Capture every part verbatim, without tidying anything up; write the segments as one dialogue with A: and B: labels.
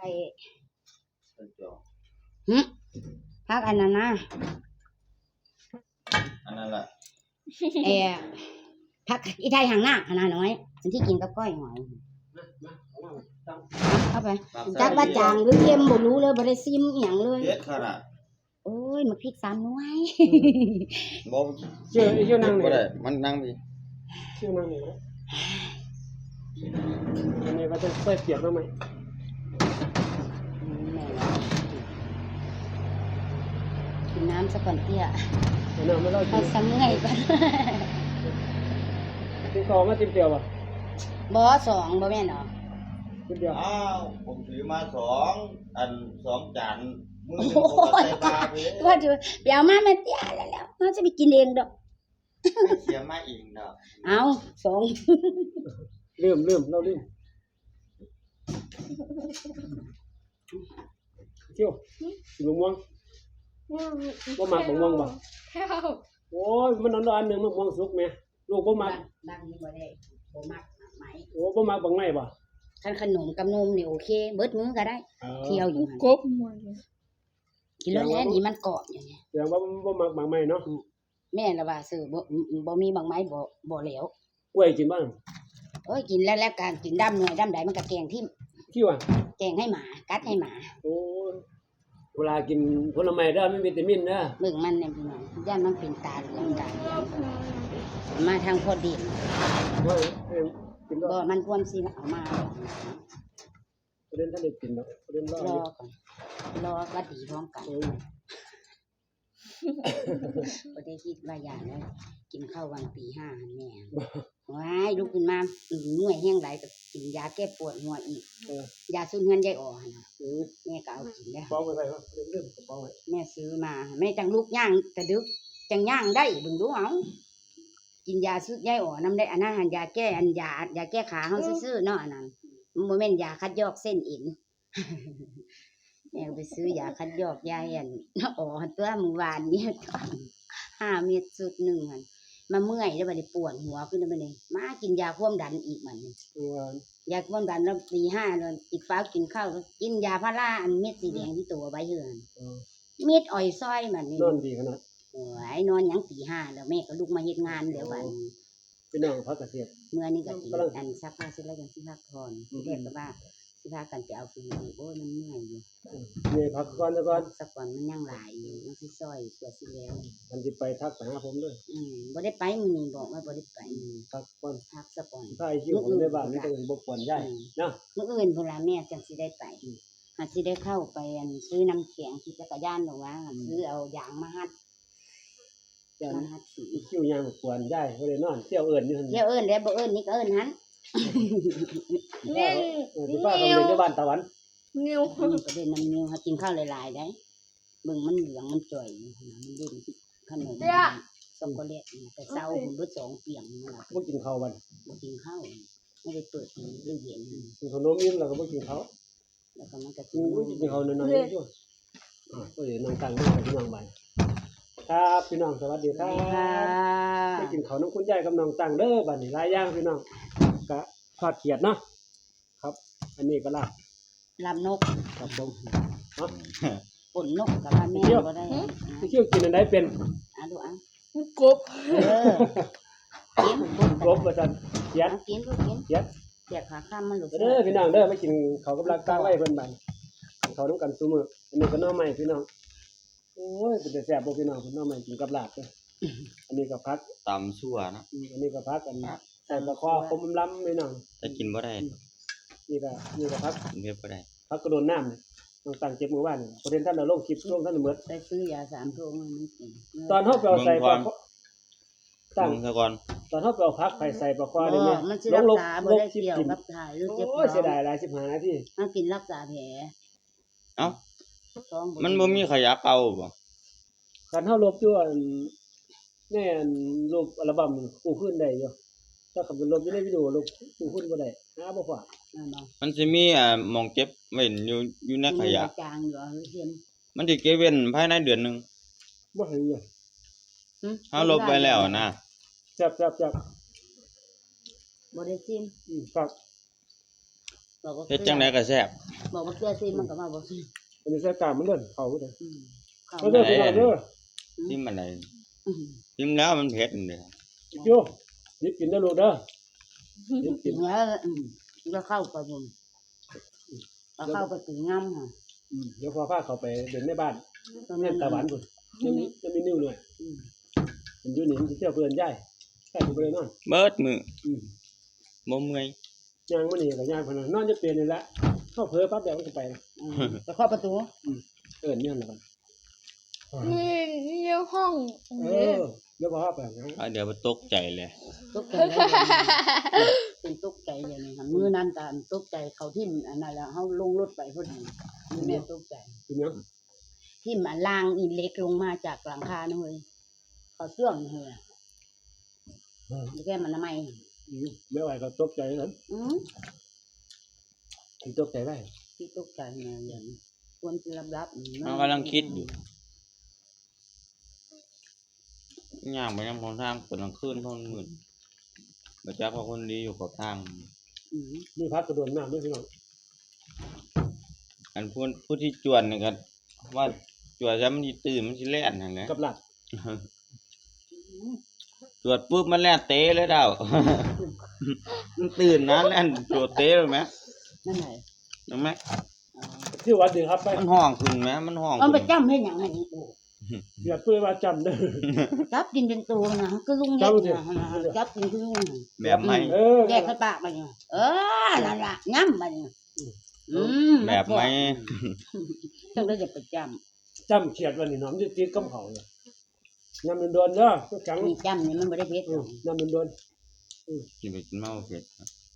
A: อ้หึพักอันนั้นนะ
B: อันนั้นแหละ
A: เออพักอีไทยหางหน้าอันนั้นน้อยอันที่กินกับก้อยหอยเข้าไปจักว่าจางหรือเค็มบ่รู้เลยบ่ได้ซิมอีหยังเลย
B: เด็ดขนาด
A: โอ้ยมาพริกสามหน่วย
B: บ่
C: เชื่อเชื่อนั่งนี่
B: บ่ได้มันนั่งพี่
C: เชื่อนั่งนี่อันนี้ว่าจะใส่เปียกบ้างไหม
A: กินน้ำซะก่อนเตี้ย
C: น้ำไม่ได้
A: เอาซ้ำเมื่อยก่อน
C: ติดต่อมาติดเดียวป่ะ
A: บ่สองบ่แม่นเหรอ
C: ติดเดียว
B: อ้าวผมถือมาสองอันสองจานมือหนึ่งผมก็ใส่ปลาไป
A: ว่าจะไปเอามาแม่เตี้ยแล้วแล้วเราจะไปกินเองดอก
B: ไม่เสียมาเองดอก
A: เอาสอง
C: เริ่มเริ่มเราเริ่มเที่ยวสีม่วงบ่มักบ่ม่วงบ่โอ้ยมันนอนอันนึงมันม่วงสุกแม่ลูกบ่มัก
A: ดังนี่บ่ได้บ่มักไหม
C: โอ้บ่มักบังไม้บ่
A: คันขนมกับนมนี่โอเคเบิดมื้อก็ได้เที่ยวอยู่หั่น
D: กบหมด
A: กินแล้วแล้วนี่มันกรอบอย่างเงี้ย
C: แสดงว่าบ่มักบังไม้เนาะ
A: แม่ละว่าซื้อบ่บ่มีบางไม้บ่บ่แล้ว
C: กล้วยกินบ้าง
A: โอ้ยกินแล้วแล้วการกินดำหน่วยดำใดมันก็แกงทิ่ม
C: ที่ว่า
A: แกงให้หมากัดให้หมา
C: โอ้เวลากินผลไม้เด้อมีวิตามินเด้อ
A: เบิ่งมันเนี่ยพี่น้องย่านมันเป็นตาเหลืองตาเหลืองมาทางพอดี
C: บ่กิน
A: บ่มันควรสิเอามา
C: ประเด็นท่านได้กินเนาะประเด็นรอ
A: รอก่อนรอก็ดีพร้อมกันบ่ได้คิดว่าอย่างนั้นกินข้าววันตีห้าแม่ว้ายลุกขึ้นมาเมื่อยแห้งหลายก็กินยาแก้ปวดหัวอีกยาสูบเงินยายอ๋อหั่นน่ะแม่ก็เอากินได้
C: เป้าไว้ไว้ว่าเรื่องกระเป๋าไว้
A: แม่ซื้อมาแม่จังลูกย่างกระดึกจังย่างได้เบิ่งดูเอากินยาสูบยายอ๋อนำได้อันนั้นหันยาแก้อันยายาแก้ขาเฮาซื่อๆเนาะอันนั้นมันบ่แม่นยาคัดยอกเส้นเอ็นแม่ไปซื้อยาคัดยอกยายอันอ๋อตัวมื้อวานนี้ห้าเม็ดสุดหนึ่งหั่นมาเมื่อยแล้วบัดนี้ปวดหัวขึ้นแล้วบัดนี้มากินยาความดันอีกมันยาความดันแล้วตีห้าแล้วอีกฟ้ากินข้าวกินยาพาราอันเม็ดสีแดงที่ตัวไว้เหือนเม็ดอ้อยซอยมันนี่
C: นอนดีขนาด
A: โอ้ยนอนหยังตีห้าแล้วแม่ก็ลุกมาเฮ็ดงานเดี๋ยวบัดนี้
C: พี่น้องพักเกษตร
A: เมื่อนี้ก็สิอันซักผ้าเสร็จแล้วยังสิพักผ่อนเรียกก็ว่าสิพากันไปเอาฟืนโอ้ยมันเมื่อยอยู่
C: เมื่อยพักก่อนแล้วก่อน
A: สักก่อนมันยังหลายอยู่มันสิซอยตัวสิแล้ว
C: มันสิไปทักไปหาผมด้วย
A: อืมบ่ได้ไปมื้อนี้บอกว่าบ่ได้ไป
C: พักก่อน
A: พักสักก่อน
C: ถ้าไอ้คิวในบ้านนี่ก็บ่ควรย้ายเนาะ
A: มื้ออื่นพุ่นล่ะแม่จังสิได้ไปอาจสิได้เข้าไปอันซื้อน้ำแข็งที่จักรยานดอกว่าซื้อเอายางมาฮัด
C: มาฮัดคิวยางควรย้ายบ่ได้นอนเที่ยวเอิ้นอยู่หั่น
A: เที่ยวเอิ้นแล้วบ่เอิ้นนี่ก็เอิ้นหัน
C: นี่สิพากันไปที่บ้านตะวัน
D: นิ้ว
A: ก็ได้น้ำนิ้วหากินข้าวหลายๆได้เบิ่งมันเหลืองมันจ่อยมันเล่นขนมช็อกโกแลตแต่เช้าผมเบิดสองเปียงนั่นล่ะ
C: บ่กินข้าวบัด
A: บ่กินข้าวไม่ได้เปิดมื้อเย็น
C: กินขนมอิ่มแล้วก็บ่กินข้าว
A: แล้วก็มันก็
C: กินกินข้าวน้อยๆอยู่อ่าก็เลยนั่งตั้งนั่งพี่น้องบ้านครับพี่น้องสวัสดีครับไปกินข้าวน้ำคุณยายกับน้องตั้งเด้อบัดนี้หลายอย่างพี่น้องก็ทอดเขียดเนาะครับอันนี้ก็ลาบ
A: ลาบนก
C: ครับผมเนาะ
A: ป่นนกกับว่าแม่บ่ได้
C: เที่ยวกินอันใดเป็น
A: อ่ะดูอ่ะ
D: กบ
A: เออกิน
C: กบว่าซั่นเขียด
A: กินก็กิน
C: เขียด
A: เขียดขาข้ามมันลูก
C: เด้อพี่น้องเด้อมากินข้าวกับลาบกลางไว้เพิ่นบัดข้าวนำกันซุมื้ออันนี้ก็หน่อไม้พี่น้องโอ้ยเป็นแต่แซ่บบ่พี่น้องหน่อไม้กินกับลาบเด้ออันนี้ก็ผัก
B: ตำซั่วเนาะ
C: อันนี้ก็ผักกันใส่ปลาคอคมล้ำพี่น้อง
B: แต่กินบ่ได้
C: นี่ก็นี่ก็ผัก
B: กินเผ็ดบ่ได้
C: ผักกระโดนน้ำนี่ต้องตั้งเก็บมื้อวานประเด็นท่านเอาลงคลิปลงท่านหมด
A: ได้ซื้อยาสามโรงมันกิน
C: ตอนเฮาไปเอาใส่ปลา
B: ตั้งซะก่อน
C: ตอนเฮาไปเอาผักไปใส่ปลาคอได้
A: มั้ยลงลงบ่ได้เกี่ยวกับถ่ายหรือเจ็บ
C: โอ้ยเสียดายหลายสิบห้านาที
A: มากินรักษาแผล
B: เอ้ามันบ่มีขยะเป่าบ่
C: คันเฮาลบอยู่อันแน่นรูปอัลบั้มกู้คืนได้อยู่ถ้าคันเป็นลบอยู่ในวิดีโอลบกู้คืนบ่ได้หาบ่พอ
B: มันสิมีอ่าหม่องเก็บไว้อยู่อยู่ในขยะ
A: จางอยู่เฮ็ด
B: มันสิเก็บเว้นภายในเดือนนึง
C: บ่เห็นอยู่
B: เฮาลบไว้แล้วนะ
C: จับๆๆ
A: บ่ได้ซิม
C: อืมครับ
A: ตบอกว่า
B: เฮ็ดจังไดก็แซ่บ
A: บอกว่าเกลือซีมันก็มาบอกซี
C: อันนี้ใส่กล้ามมันเด้อเข้าบ่ได้
A: อืมเข้า
C: เอาเด้อพี่น้องเด้อ
B: ซิมอะไร
A: อืม
B: ซิมแล้วมันเผ็ดนี่
C: โยหยิบกินเด้อลูกเด้อหยิบกิ
A: กิ
C: น
A: นแล้วอืมแล้วเข้าไปบุญแล้วเข้าไปถึงง่ำค่ะ
C: อืมเดี๋ยวพอพาเข้าไปเดินในบ้านเล่นตะวันพุ่นจะมีจะมีนิ้วหน่อย
A: อืม
C: มันอยู่นี่มันสิเที่ยวเพิ่นย้ายใช่บ่ได้นอน
B: เบิดมือ
C: อืม
B: บ่เมื่อย
C: ย่างมื้อนี้ก็ย่างเพิ่นนอนจะเปลี่ยนนี่แหละเข้าเผลอปั๊บเดี๋ยวมันก็ไปนะ
A: อืมแล้วเข้าประตู
C: เอิ้นเนี่ยล่ะครับ
D: นี่นี่ห้อง
C: เออเดี๋ยวพอพาไปนะ
B: อ่ะเดี๋ยวบ่ตกใจเลย
A: ตกใจแล้วเป็นตกใจอย่างนี้ค่ะมือนั้นการตกใจเขาทิ่มอันนั้นแล้วเขาลงรถไปพอดีมือแม่ตกใจ
C: กินหยัง
A: ทิ่มอันล่างอีเล็กลงมาจากหลังคานะเฮ้ยเขาเสื่องเฮ้ย
C: เออ
A: แก้มันทำไม
C: อืมไม่ไหวก็ตกใจนั้น
A: อืม
C: สิตกใจได้
A: ที่ตกใจเนี่ยอย่างควรจะรับรับ
B: มันกำลังคิดอยู่ย่างไปนำของทางกำลังคืนคนมื้อบ่จักว่าคนดีอยู่กับทาง
A: อืม
C: มีพัดกระโดดน้ำด้วยพี่น้อง
B: อันผู้ผู้ที่จวนนี่ก็ว่าจวนจะมันสิตื่นมันสิแล่นนั่นแหละ
C: กับหลัด
B: จวดปุ๊บมันแล่นเตะเลยดาว มันตื่นนะแล่นจวดเตะเลยไหม
A: นั่นไหน
B: เห็นไหม
C: ที่วัดดีครับไป
B: มันห้องขึ้นไหมมันห้อง
A: เอาไป
B: ขึ้น
A: จำให้หยังไงนี่กู
C: อย่าเพื่อว่าจำเด้อ
A: จับกินเป็นตัวนะก็ลุงเด็กนะจับกินคือลุง
B: แบบไหม
C: เออ
A: แยกกระปากไปเนี่ยเออนั่นล่ะย้ำไปเนี่ยอืม
B: แบบไหม
A: ต้องได้จะไปจ
C: จำเขียดวันนี้น้องจะตีกับเขาเลยน้ำมันโดนเด้อก็จัง
A: ำนี่จำนี่มันไม่ได้เพชร
C: อืมน้ำมันโดน
B: กินไปกินเมาเผ็ด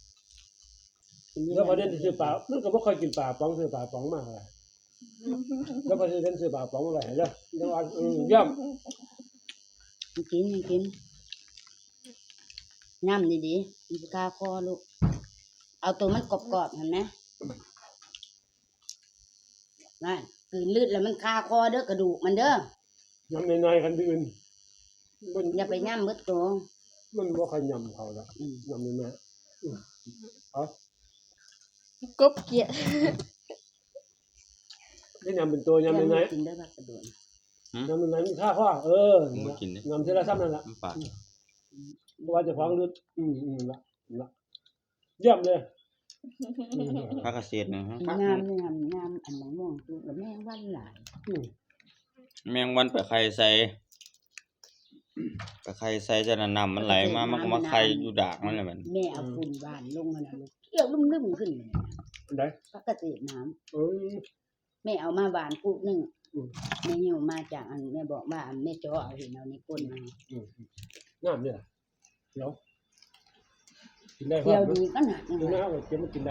C: แล้วพอเดินซื้อปลามันก็บ่ค่อยกินปลาป๋องซื้อปลาป๋องมากเลยแล้วพอเดินซื้อปลาป๋องมาไว้เด้อแล้วว่าอืมย่ำ
A: กินกินย้ำดีๆมันจะคาคอลูกเอาตัวมันกรอบๆเห็นไหมนั่นกืนลืดแล้วมันคาคอเด้อกระดูกมันเด้อ
C: น้ำในๆกันอื่นมัน
A: อย่าไปย่ำมืดตัว
C: มันบ่ค่อยยำเขาละ
A: อืม
C: ยำในๆอืมเอา
D: กบเกียด
C: ได้ยำเป็นตัวยำในๆ
A: กินได้ปะกระดูก
C: น้ำมันไหนมีค่าข้อเออ
B: ผมบ่กินเด้
C: น้ำเท่าไรซ้ำนั่นละ
B: น้ำปลา
C: เพราะว่าจะฟ้องรึอืมอืมละละเยี่ยมเลยอืม
B: ผักเกษตรนะฮะ
A: งามงามงามอันมะม่วงคือกับแม่วันหลาย
C: อืม
B: แมงวันไปไข่ใส่ไปไข่ใส่จะนำมันไหลมามันก็มาไข่อยู่ดากมันเลยมัน
A: แม่เอาฝุ่นบานลงมานะลูกเกี่ยวลุ่มๆขึ้นเลย
C: อันใด
A: ปกติน้ำ
C: อืม
A: แม่เอามาบานปุ๊บหนึ่ง
C: อืม
A: แม่หิวมาจากอันแม่บอกว่าอันแม่จ้อเอาเห็นเอาในก้นมา
C: อืมงามเนี่ยเดี๋ยวกินได้
A: เที่ยว
C: มั้
A: ดี
C: ย
A: ก็หนักนะ
C: กินได้ครับเก็บมากินได้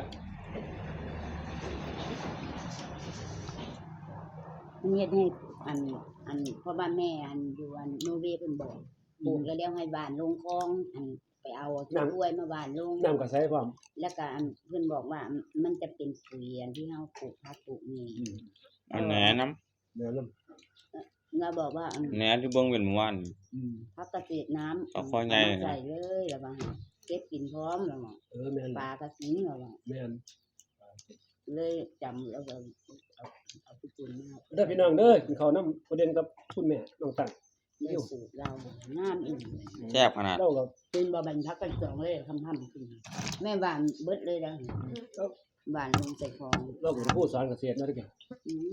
A: มันเฮ็ดให้อันอันเพราะว่าแม่อันอยู่อันโนเวย์เพิ่นบอกปลูกแล้วแล้วให้บานลงคลองอันไปเอาต้นกล้วยมาบานลง
C: น้ำก็ใส่ความ
A: แล้วก็อันเพิ่นบอกว่ามันจะเป็นปุ๋ยอันที่เฮาปลูกผักปลูกนี่
C: อืม
B: อันแหนน้
C: แม่น้
A: เราบอกว่าอัน
B: ำแหนที่เบิ่งเป็นเมื่อวาน
C: ำอืม
A: ผักเกษตรน้ำ
B: เอาข้อใหญ่
A: เามาใส่เลยแล้วว่าเก็บกินพร้อมแล้วว่า
C: เออแม่น
A: ปลากระสิงแล้วว่า
C: แม่น
A: เลยจำแล้วก็เอาเอาไปกินมา
C: เด้อพี่น้องเด้อกินข้าวน้ำประเด็นกับคุณแม่น้องตัง
A: ได้สูตรเรางามอีก
B: แซ่บขนาด
C: เราก็
A: กินบ่บันพักกันสองเลยคำทำกินแม่หวานเบิดเลยนะหวานลงใส่คอง
C: เราก็ผู้สอนเกษตรนะทุกอย่าง
A: อืม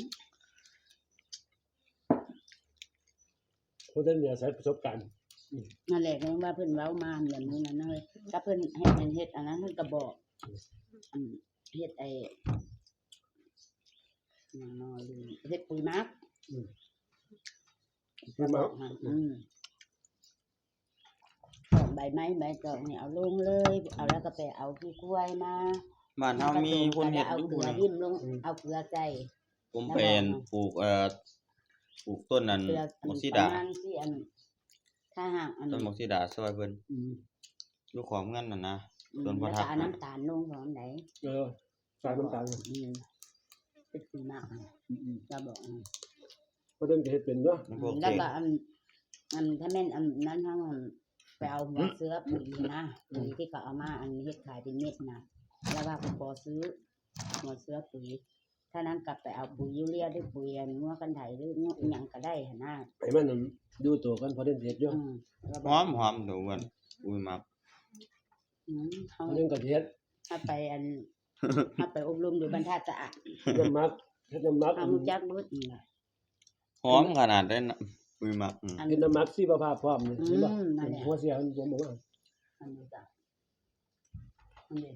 C: ผู้เดินเนี่ยใช้ประสบการณ์
A: นั่นแหละก็ว่าเพิ่นเว้ามาอย่างนี้นั่นเลยถ้าเพิ่นให้เพิ่นเฮ็ดอันนั้นเพิ่นก็บอกอืมเฮ็ดไอ้หยังน้อยลืมเฮ็ดปุ๋ยหมัก
C: คือมา
A: ค่ะอืมของใบไม้ใบตองเนี่ยเอาลงเลย เอาแล้วก็ไปเอาขี้กล้วยมา
B: บ้านเฮามีคนเฮ็ด
A: เอา
B: อยู่
A: เกลื
B: พุ่น
A: อ
B: น่ะ
A: ริมลงเอาเกลือใส่
B: ผมเป็นปลูกเอ่อปลูกต้นนั้น
A: เกลือ
B: มกซิ
A: ป
B: ดา
A: ระมาณที่อันถ้าหากอัน
B: ต้นมกซิดาซอยเพิ่น
A: อืม
B: อยู่ของเงินน่ะนะ
A: อืม
B: ต้นพระ
A: แล้ว
B: ทั
A: ก็
B: บ
A: เอาน้ำตาลลงของไหน
C: เออสายน้ำตาล
A: อืมเป็นปุ๋ยหมักอ่ะเราบอกอ่ะ
C: ผู้เดินจะเฮ็ดเป็นเนาะ
B: มันพวก
A: แล้ว
B: เทศ
A: ก็อันอันถ้าแม่นอันนั้นทั้งอันไปเอาหัวเสือปุ๋ยนะปุ๋ยที่เขาเอามาอันเฮ็ดขายเป็นเม็ดนะแล้วว่าผมขอซื้อหัวเสือปุ๋ยถ้านั้นกลับไปเอาปุ๋ยยูเรียหรือปุ๋ยอันงัวกันไถหรืองัวอิหยังก็ได้หั่นน่ะ
C: ให้มันนั่นอยู่ตัวกันพอได้เสร็จอยู่
A: อืมแล้ว
B: ห
A: ก็
B: อมหอมถูกกันอุ้ยมัก
A: อืมเฮา
C: อันนึงก็สิเฮ็ด
A: ถ้าไปอัน ถ้าไปอบรมอยู่บรรทัดสะอาด
C: น้ำมักเฮ็ดน้ำมัก
A: เฮารู้จักเบิดนี่ล่ะ
B: หอมขนาดได้นะอุ้ยมักอืม
A: อัน
C: เฮ็ดน้ำมักสิประภาพพร้อมนี่
A: อืม
C: เห็นบ่
A: นั่นแหละ
C: หัวเสียมันผมบอกว่า
A: อันนี้จ้ะอันนี้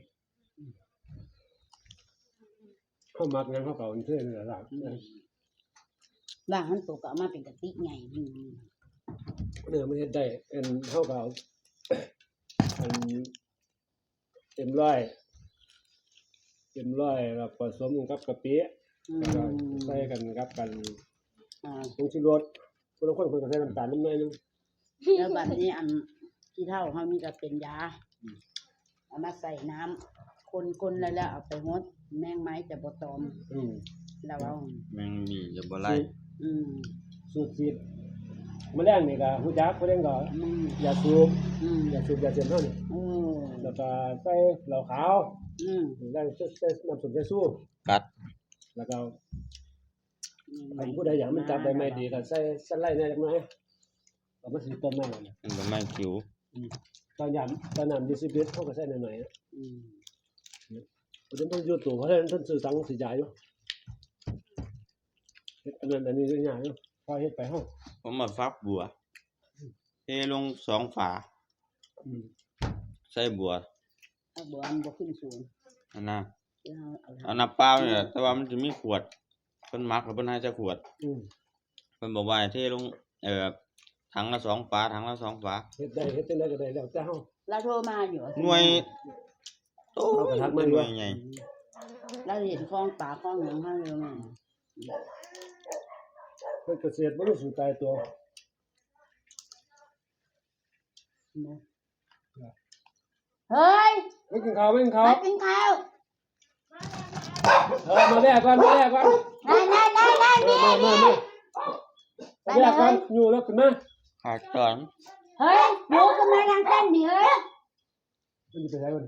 C: เฮามักหยังเฮาก็เอาอันเทื่อนี่ล่ะ
A: อืมว่างมันตกก็เอามาเป็นกระติกใหญ่อืม
C: เด้อมันเฮ็ดได้อันเฮาก็เอา อันเต็มร้อยเต็มร้อยแล้วผสมกับกะปิ
A: อื
C: แล้วก็
A: ม
C: ใส่กันกับกัน
A: อ่า
C: ผงชูรสคนละคนเพิ่นก็ใส่น้ำตาลนิดหน่อยนึง
A: แล้วบัดนี้อันที่เท่าเฮานี่ก็เป็นยาเอามาใส่น้ำคนๆแล้วแล้วเอาไปงดแมงไม้จะบ่ตอม
C: อืม
A: แล้วเอา
B: แมงมีจะบ่ไล่
A: อืม
C: สูตรสีดแมลงนี่ก็ฮู้จักผู้เล่นก็
A: อืม
C: ยาสูบ
A: อืม
C: ยาสูบยาเสพเฮานี่
A: โอ้
C: แล้วก็ใส่เหล้าขาว
A: อืม
C: แล้วใส่ใส่น้ำส้มสายชู
B: กัด
C: แล้วก็คันผู้ใดอยากมันจับได้ไม่ดีก็ใส่สไลด์หน่อยจักหน่อยก็มันสิต้มได้นั่นน่ะ
B: มันก็ไม่คิว
C: ตอนยามตอนน้ำยี่สิบลิตรเฮาก็ใส่หน่อยๆนะ
A: อืม
C: เพราะฉะนั้นต้องอยู่ตัวเพราะฉะนั้นเพิ่นซื้อตังค์สิจ่ายอยู่เฮ็ดอันนั้นอันนี้ก็ยากอยู่พอเฮ็ดไปเฮา
B: ผมมาฟักบัวเทลงสองฝา
C: อืม
B: ใส่บัว
A: ถ้าบ่อันบ่ขึ้นสูง
B: อันน่ะ
A: คือเฮาเอา
B: เอาน้ำเปล่านี่แหละแต่ว่ามันจะมีขวดเพิ่นมักแล้วเพิ่นให้จักขวด
C: อืม
B: เพิ่นบอกว่าให้เทลงเอ่อถังละสองฝาถังละสองฝา
C: เฮ็ดได้เฮ็ดจังได๋ก็ได้แล้วแต่เฮา
A: เราโทรมาอยู่
B: หน่วยโต
C: เอากระทะมา
B: ห
C: ด้
B: น่
C: ว
B: วย ยใหญ่
A: เราเห็นคลองป่าคลองหยังเฮาอยู่แม่
C: เพิ่นเกษตรบ่รู้สูตายตัว
A: เฮ้ย
C: ไม่กินข้าวไม่กินข้าว
A: มากินข้าว
C: เออมาแลกก่อนมาแลกก่อน
A: ได้ได้ได้ได้
C: มามามามามาแลกก่อนอยู่แล้วขึ้นมา
B: ขาดตอน
A: เฮ้ยหมูก็มาทางเส้นดิเฮ้ย
C: มันสิไปไสก่อน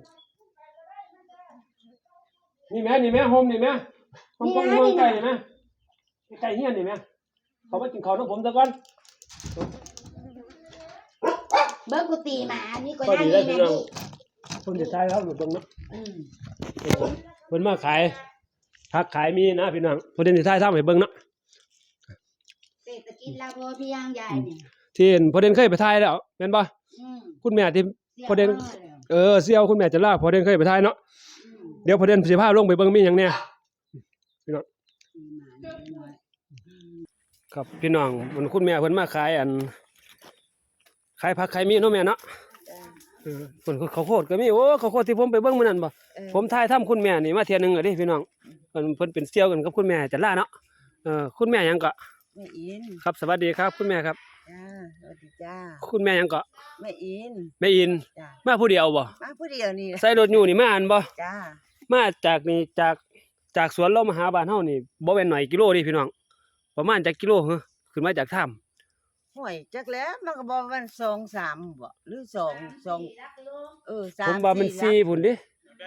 C: นี่แม่นี่แม่โฮมนี่แม่ผมต้องอยู่ใกล้นี่แม่ใกล้เฮียนนี่แม่เขามากินข้าวกับผมซะก่อน
A: เบิกกุฏิหมานี่ก็
C: ก็
A: ได้
C: ดีแล้ว
A: นี่
C: พี่
A: แม่
C: น้อง
A: นี่
C: คนจะใช้ครับอยู่ตรงนั้น
A: อืม
C: เพิ่นมาขายผักขายมีนะพี่น้องเพิ่นสิถ่ายทำให้เบิ่งเนาะ
A: เศรษฐกิจเราพอเพียงใหญ่นี่
C: ที่เห็นพอเด่นเคยไปถ่ายแล้วแม่นบ่
A: อืม
C: คุณแม่ที่ พอเด่น
A: สียมาแล้ว
C: เออเสี่ยวคุณแม่จะลาพอเด่นเคยไปถ่ายเนาะ
A: อืม
C: เดี๋ยวพอเด่นสิพาลงไปเบิ่งมีหยังแหน่พี่น้อง
A: มีหมาน้อย
C: ครับพี่น้องมันคุณแม่เพิ่นมาขายอันขายผักขายมีเนาะแม่เนาะ
A: จ้า
C: เออเพิ่นข้าวโพดก็มีโอ้ข้าวโพดที่ผมไปเบิ่งมื้อนั้นบ่
A: เออ
C: ผมถ่ายทำคุณแม่นี่มาเที่ยหนึงแล้วเด้พี่น้องเพิ่นเพิ่นเป็นเสี่ยวกันกับคุณแม่จะลาเนาะเออคุณแม่หยังก็
A: แม่อิน
C: ครับสวัสดีครับ คุณแม่ครับ
A: จ้าสวัสดีจ้า
C: คุณแม่หยังก็
A: แม่อิน
C: แม่อิน
A: จ้า
C: มาผู้เดียวบ่
A: มาผู้เดียวนี่แหละ
C: ใส่รถอยู่นี่มาอันบ่
A: จ้า
C: มาจากนี่จากจากสวนเรามาหาบ้านเฮานี่บ่แม่นหน่อยกิโลเดิพี่น้องประมาณจักกิโลเหรอขึ้นมาจากถ้ำ
E: ห่วยจักแล้วมันก็บอกมันสองสามบ่หรือสองสองเออสา
C: ผม มว่ามัน
E: สี่
C: สี่พุ่นเดิ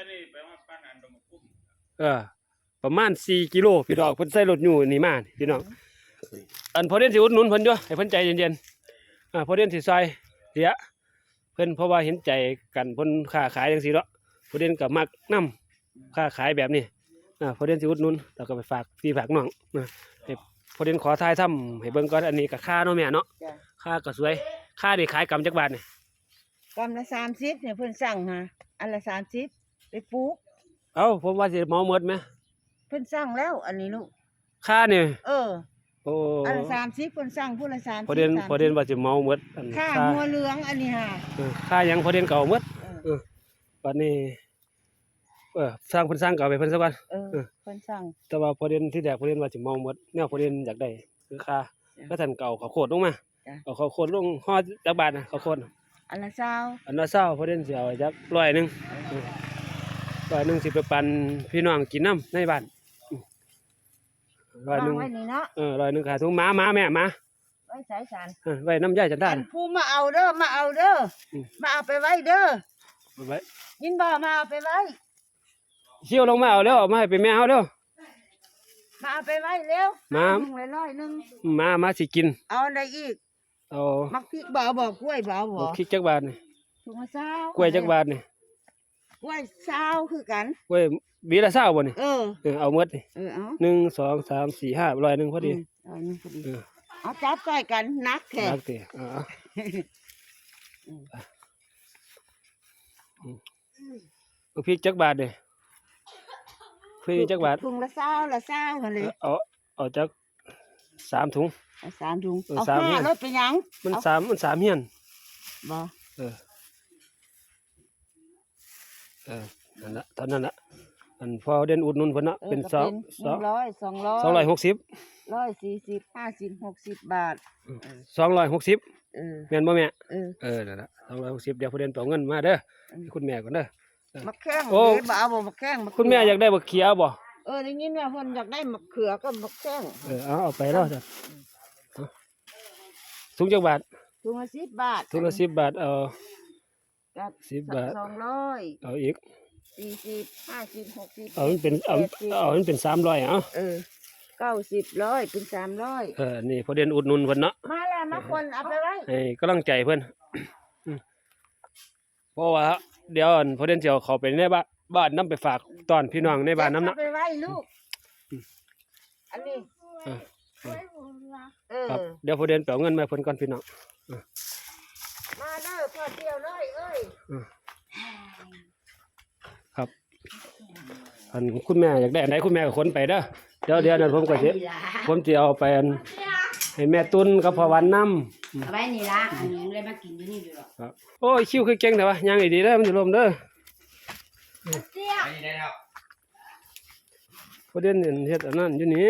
C: เออ ประมาณสี่กิโลพี่น้องเพิ่นใส่รถอยู่นี่มานี่พี่น้องอันพอเด่นสิอุดหนุนเพิ่นอยู่ให้เพิ่นใจเย็นๆอ่าพอเด่นสิซอยเสียเพิ่นเพราะว่าเห็นใจกันเพิ่นค้าขายจังซี่เนาะพอเด่นก็มักนํค้าขายแบบนี้อ่าพอเด่นสิอุดหนุนแล้วก็ไปฝากพี่ฝากน้องนะให้พอเด่นขอทายทำให้เบิ่งก่อนอันนี้ก็ค่าเนาะแม่เนาะ
E: จ้ะ
C: ค่าก็สวยค่านี่ขายกำจักบาทนี่
E: กำละสามสิบเนี่ยเพิ่นสั่งฮะอันละสามสิบไปปลูก
C: เอ้าผมว่าสิเหมาหมดไหม
E: เพิ่นสั่งแล้ว อันนี้ลูก
C: ค่านี่
E: เออ
C: โอ้
E: อันละสามสิบเพิ่นสั่งผู้ละสามสิบ
C: พอเด่น
E: สามสิบ
C: พอเด่นว่าสิเหมาหมดอัน
E: ค่า
C: ค่า
E: หัวเหลืองอันนี้ฮะ
C: เออค่าหยังพอเด่นก็เอาหมด
E: เออ
C: บัดนี้เออสร้างเพิ่นสร้างก็เอาไปเพิ่นซะก่อน
E: เออเพิ่นสั่ง
C: แต่ว่าพอเด่นที่แรกพอเด่นว่าสิเหมาหมดแนวพอเด่นอยากได้คือค่า
E: จ้ะ
C: ก็ท่านก็เอาข้าวโพดลงมา
E: จ้ะ
C: เอาข้าวโพดลงห่อจักบาทนะข้าวโพด
E: อันละเช้า
C: อันละเช้าพอเด่นสิเอาจักร้อยหนึงเออร้อยหนึงสิไปปันพี่น้องกินน้ำในบ้านอืมร้อยหนึ
E: วาง
C: ง
E: ไว้นี่เนาะ
C: เออร้อยหนึงขาถุงหมาหมาแม่หมา
E: ไว้ใส่สาร
C: เออไว้น้ำยายจันทา
E: อัน
C: น่ะ
E: ผู้มาเอาเด้อมาเอาเด้ออ
C: ม
E: มาเอาไปไว้เด้อ
C: เอาไว้
E: ยินบ่มาเอาไปไว้
C: เชี่ยวลงมาเอาแล้วเอามาให้เป็นแม่เฮาเด้อ
E: มาเอาไปไว้เร็ว
C: มา
E: ถุงละร้อยหนึง
C: มามาสิกิน
E: เอาอะไรอีก
C: เอา
E: มักพริกบ่เอาบ่กล้วยบ่เอาบ่
C: เอาพริกจักบาทนี่
E: ถุงละเศร้าก
C: ล้วยจักบาทนี่
E: กล้วยเศร้าคือกัน
C: กล้วยบีละเศร้าบ่นี่
E: เออ
C: เออเอาหมดนี่
E: เออเอา
C: หนึ่งสองสามสี่ห้าร้อยหนึงพอดี
E: มเอาหนึ่งพอดี
C: เออ
E: เอาจับใกล้กันนักแท้
C: รักติเอาเอาเอาพริกจักบาทนี่พริกจักบาท
E: ถุงละเศร้าละเศร้าหั่นเลย
C: เอาเอาจักสามถุง
E: เอาสามถุง
C: เออ
E: เอา
C: สาม
E: ห้า
C: เนี่ย
E: รถไปหยัง
C: มัน
E: เอา
C: สามมันสามเฮียน
E: บ่
C: เออ เออ นั่นละเท่านั้นละอันพอเด่นอุดหนุนเพิ่นเนาะ
E: ออ
C: เป็น
E: ก็
C: สอง
E: ห
C: สอ
E: นึ่
C: ง
E: งร้อยสองร้อย
C: สองร้อยหกสิบ
E: ร้อยสี่สิบห้าสิบหกสิบบาท
C: สองร้อยหกสิบ
E: เออ
C: แม่นบ่แม่
E: เออ
C: เออ นั่นละสองร้อยหกสิบเดี๋ยวพอเด่นไปเอาเงินมาเด้อให้คุณแม่ก่อนเด้อ
E: มะแข้ง
C: โอ้
E: เด้บ่เอาบ่มะแข้งะ
C: คุณแม่อยากได้บักเขียวบ่
E: เออได้ยินว่าเพิ่นอยากได้มะเขือก็มะแข้ง
C: เออ เอาเอาไปแล้วจ้ะเอาถุงจักบาท
E: ถุงละสิบบาท
C: ถุงละสิบบาท เอา
E: กับ
C: สิบบาท
E: สองร้อย
C: เอาอีก
E: สี่สิบห้าสิบหกสิบ
C: เอามันเป็น เอาเอามันเป็นสามร้อยเอา
E: เออเก้าสิบร้อยเป็นสามร้อย
C: เออ นี่พอเด่นอุดหนุนเพิ่นเนาะ
E: มาแล้วมาคนเอาไปไว้
C: ให้กำลังใจเพื่อน อืมเพราะว่าเดี๋ยวอันพอเดนเจียวเขาไปในบ้านบ้านน้ำไปฝากตอนพี่น้องในบ้านน้ำ
E: เอา
C: เนาะ
E: ไปไว้ลูกอันนี้
C: เออ
E: เออ
C: ครับเดี๋ยวพอเดนไปเอาเงินมาให้เพิ่นก่อนพี่น้อง
E: มาเด้อพอเดียวเลยเอ้ย
C: ครับอันคุณแม่อยากได้อันไหนคุณแม่ก็ขนไปเด้อเดี๋ยวเดี๋ยวนั้นผมก็สิผมสิเอาไปอันให้แม่ตุนกับพ่อวันนำ
A: เอาไว้นี่ละอันนี้เลยมากินอยู่นี่อยู่หรอก
C: ครับโอ้ยคิวคือเก่งแต่ว่ายังอีกดีเด้อมันสิลมเด้อ
B: อันนี้ได้แล้ว
C: พอเดนเฮ็ดอันนั้นอยู่นี่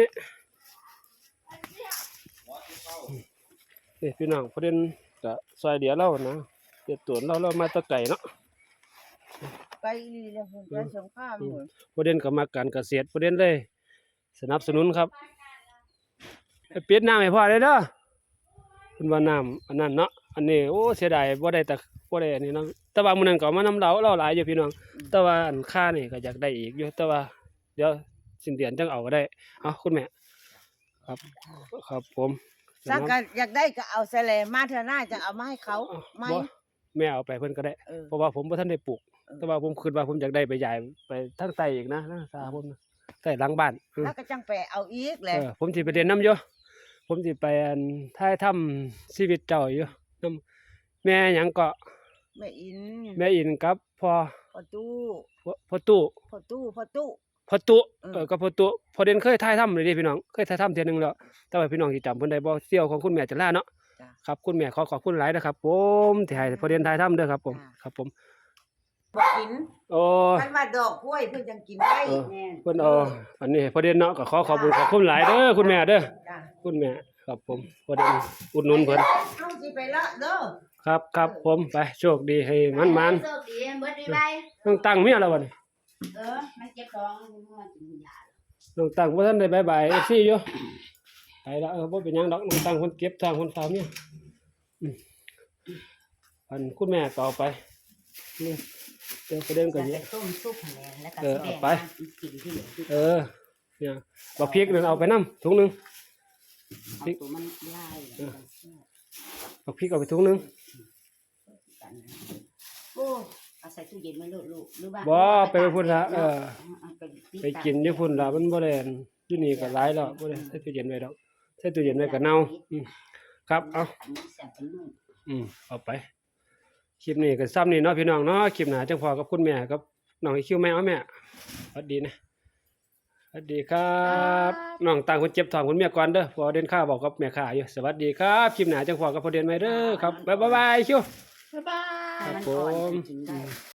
C: นี่พี่น้องพอเดนก็ซอยเดียวเรานะเฮ็ดตัวเราเรามาแตะไก่เนาะ
E: ไปอีเลยเพิ่นไปสงครามหมด
C: ประเด็นก็มาการเกษตรประเด็นเลย สนับสนุนครับให้ปิดน้ำให้พ่อได้เด้อคุณว่าน้ำอันนั้นเนาะอันนี้โอ้เสียดายบ่ได้แต่บ่ได้อันนี้เนาะแต่ว่ามื้อนั้นก็เอามานำเราเราหลายอยู่พี่น้องแต่ว่าอันค่านี่ก็อยากได้อีกอยู่แต่ว่าเดี๋ยวสิ้นเดือนจังเอาก็ได้เอาคุณแม่ครับครับผม
E: สักก็อยากได้ก็เอาใส่แลมาเถอะหน้าจะเอามาให้เขาไหม
C: บ่แม่เอาไปเพิ่นก็ได้
E: เออ
C: เพราะว่าผมบ่ทันได้ปลูก
E: เออ
C: แต่ว่าผมคิดว่าผมอยากได้ไปใหญ่ไปทางใต้อีกนะทางสาผมนะใต้หลังบ้านอืม
E: แล้วก็จังไปเอาอีกแห
C: เอ
E: ละ
C: อผมสิไปเรียนน้ำอยู่ผมสิไปอันท้ายถ้ำชีวิตเจ้าอยู่น้ำแม่หยังก็
E: แม่อิน
C: แม่อินกับพ่อ
E: พ่อตู้
C: พ่อพ่อตู้
E: พ่อตู้พ่อตู้
C: พ่อตู้
E: เออ
C: เออกับพ่อตู้พอเด่นเคยท้ายถ้ำเลยเดิพี่น้องเคยท้ายถ้ำเทื่อนึงแล้วแต่ว่าพี่น้องสิจำเพิ่นได้บ่เสี่ยวของคุณแม่จะล่าเนาะ
E: จ้ะ
C: ครับคุณแม่ขอขอบคุณหลายนะครับ ผมที่ให้พอเด่นท้ายถ้ำเด้อครับผม
E: จ้ะ
C: ครับผม
E: บ่กิน
C: โอ้
E: มันว่าดอกกล้วยเพิ่นจังกินได้
C: เออ
A: แม่น
C: เพิ่นเอาอันนี้ให้พอเด่นเนาะก็ขอขอบคุณขอบคุณหลายเด้อคุณแม่เด้อ
E: จ้ะ
C: คุณแม่ครับผมพอเด่นอุดหนุนเพิ่น
E: เอาสิไปละเด้อ
C: ครับครับผมไปโชคดีให้มันมัน
A: โชคดีเบิดดีไป
C: ต้องตั้งเมียแล้ววันนี้
A: เออมันเจ็บท้องมันกินยา
C: ต้องตั้งบ่ทันได้บายบายเอฟซีอยู่ไปแล้วเออบ่เป็นหยังดอกต้องตั้งคนเก็บทางคนฝากเมียอืมอันคุณแม่ต่อไปนี่เดี๋ยวประเด็นก็
A: จะ
C: เย
A: ไป
C: อะ
A: ต้มซุปหั่นแหละแล้วก็
C: เออ
A: สิ
C: เอาไป
A: แบ่งมากินที่เหลือที่
C: เออเนี่ยบักพริกนั่นเอาไปนํถุงหนึง
A: เอาตัวมันลายแล้วก็เชื่อ
C: บักพริกเอาไปถุงหนึง
A: กันนะโอ้เอาใส่ตู้เย็นไว้ลูกลูกหรือว่า
C: บ่ไปพุ่นละเออ
A: เอาไปปิด
C: ไปกินอยู่พุ่นละมันบ่ได้อันอยู่นี่ก็หลายแล้วบ่ได้ใส่ตู้เย็นไว้ดอกใส่ตู้เย็นไว้ก็เน่าอืมครับเอา
A: นนี้แซ่บเป็นนุ่ม
C: อืมเอาไปคลิปนี้ก็ซ้ำนี่เนาะพี่น้องเนาะคลิปหน้าจังพอกับคุณแม่กับน้องอีคิวแม่เอาแม่สวัสดีนะสวัสดีครับน้องต่างคนเจ็บท้องคุณแม่ก่อนเด้อพอเดินข้าบอกกับแม่ข้าอยู่สวัสดีครับคลิปหน้าจังพอกับพอเดินใหม่เด้อครับบ๊ายบายคิว
D: บ๊ายบาย
C: ครับ
A: มัน
C: ผ
A: ก่อน
C: ม
A: กินได้